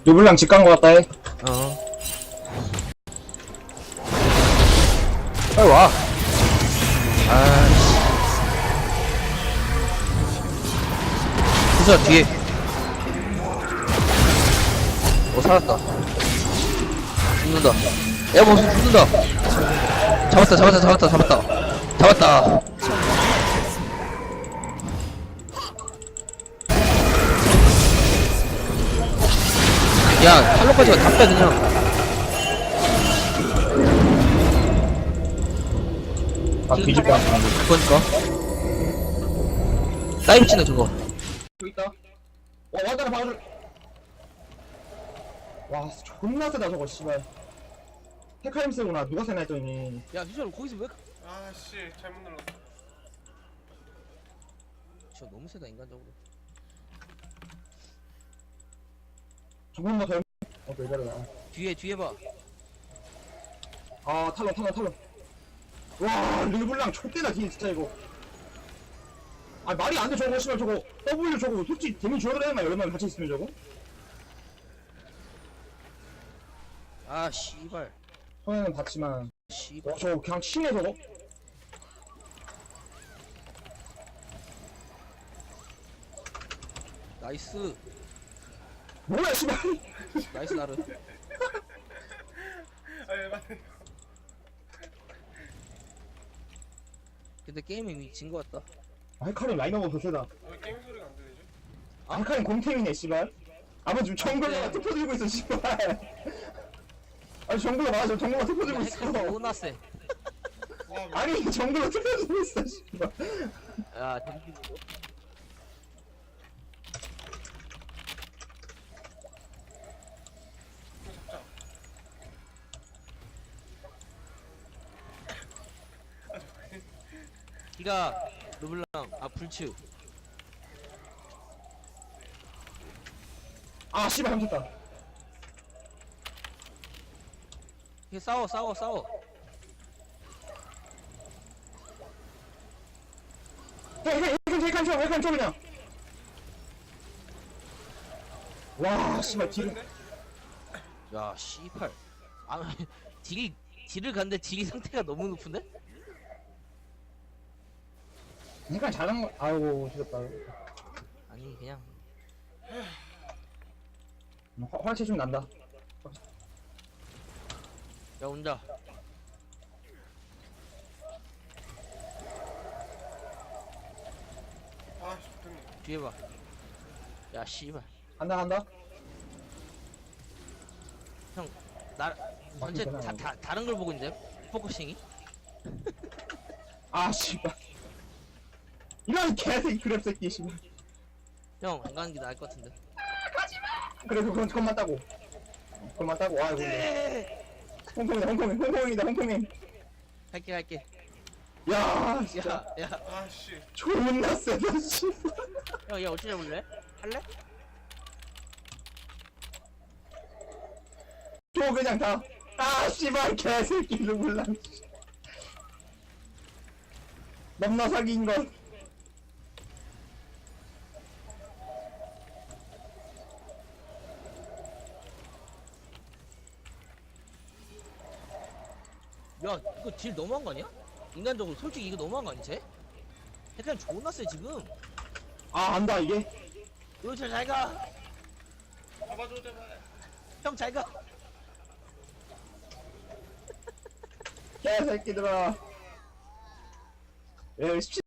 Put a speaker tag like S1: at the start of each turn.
S1: 르블랑 집 간 거 같다 해.
S2: 빨리 와. 아이씨. 부서 뒤에. 살았다. 죽는다. 야, 무슨 죽는다. 잡았다. 야, 탈로까지가 다 빼, 그냥.
S1: 아, 뒤집어.
S2: 그거니까. 사이브 치네, 저거.
S1: 여기 있다. 와다라 봐줄. 와, 존나 세다 저거 씨발. 헤카림 세구나. 누가 세나 했더니.
S2: 야, 휴전 거기서 왜?
S3: 아씨 잘못 눌렀어.
S2: 저 너무 세다, 인간적으로.
S1: 조금 더 덜. 왜 저러나.
S2: 뒤에 봐.
S1: 아, 탈론. 와, 르블랑 촉대다 진짜 이거. 아, 말이 안 돼 저거 씨발 저거. W 저거 솔직히 데미 줘야 되나 여러 명 같이 있으면 저거.
S2: 아, 씨발.
S1: 손해는 봤지만.
S2: 씨발.
S1: 저거 그냥 치네 저거.
S2: 나이스.
S1: 뭐야 씨발.
S2: 나이스, 나르.
S3: 아예 맞네.
S2: 근데 게임이 이미 진거 같다.
S1: 아, 헤카림 라인업은 더 세다.
S3: 왜 게임 소리가 안 들리지?
S1: 아, 헤카림 공템이네 씨발. 아마 지금 정글러가
S2: 네.
S1: 투표 들고 있어 씨발. 아니 정글러 맞아 정글러 투표 들고 있어.
S2: 너무나 세.
S3: 와 왜?
S1: 아니 정글러 투표 들고 있어 씨발.
S2: 야, 덤비고. 기가 르블랑 불츠.
S1: 아 씨발 감췄다.
S2: 이게 싸워.
S1: 헤칸 쳐 그냥. 와 씨발 뒤를.
S2: 야, 씨팔. 아, 딜을 갔는데 딜이 상태가 너무 높은데?
S1: 헤칸 잘한 거. 아이고 죽였다.
S2: 아니, 그냥.
S1: 활체 좀 난다.
S2: 야, 온다.
S3: 아씨 됐네.
S2: 뒤에 봐. 야, 씨발.
S1: 간다.
S2: 형, 전체 다른 걸 보고 있는데? 포커싱이?
S1: 아 씨발. 이런 개새끼 그랩 새끼 씨발.
S2: 형, 안 가는 게 나을 것 같은데.
S1: 그래 그것만 따고. 아이고. 홍콩이다.
S2: 갈게.
S1: 야 진짜.
S2: 야.
S3: 아씨
S1: 존나 세다 씨발.
S2: 형, 야, 어찌 잡을래? 할래?
S1: 줘 그냥 다. 아 씨발 개새끼를 몰라. 넘나 사기인 건.
S2: 야, 이거 딜 너무한 거 아니야? 인간적으로 솔직히 이거 너무한 거 아니지? 그냥 존나 세 지금.
S1: 아 안다 이게.
S2: 요철 잘 가.
S3: 잡아줘 제발.
S2: 형 잘 가.
S1: 개새끼들아. 야 17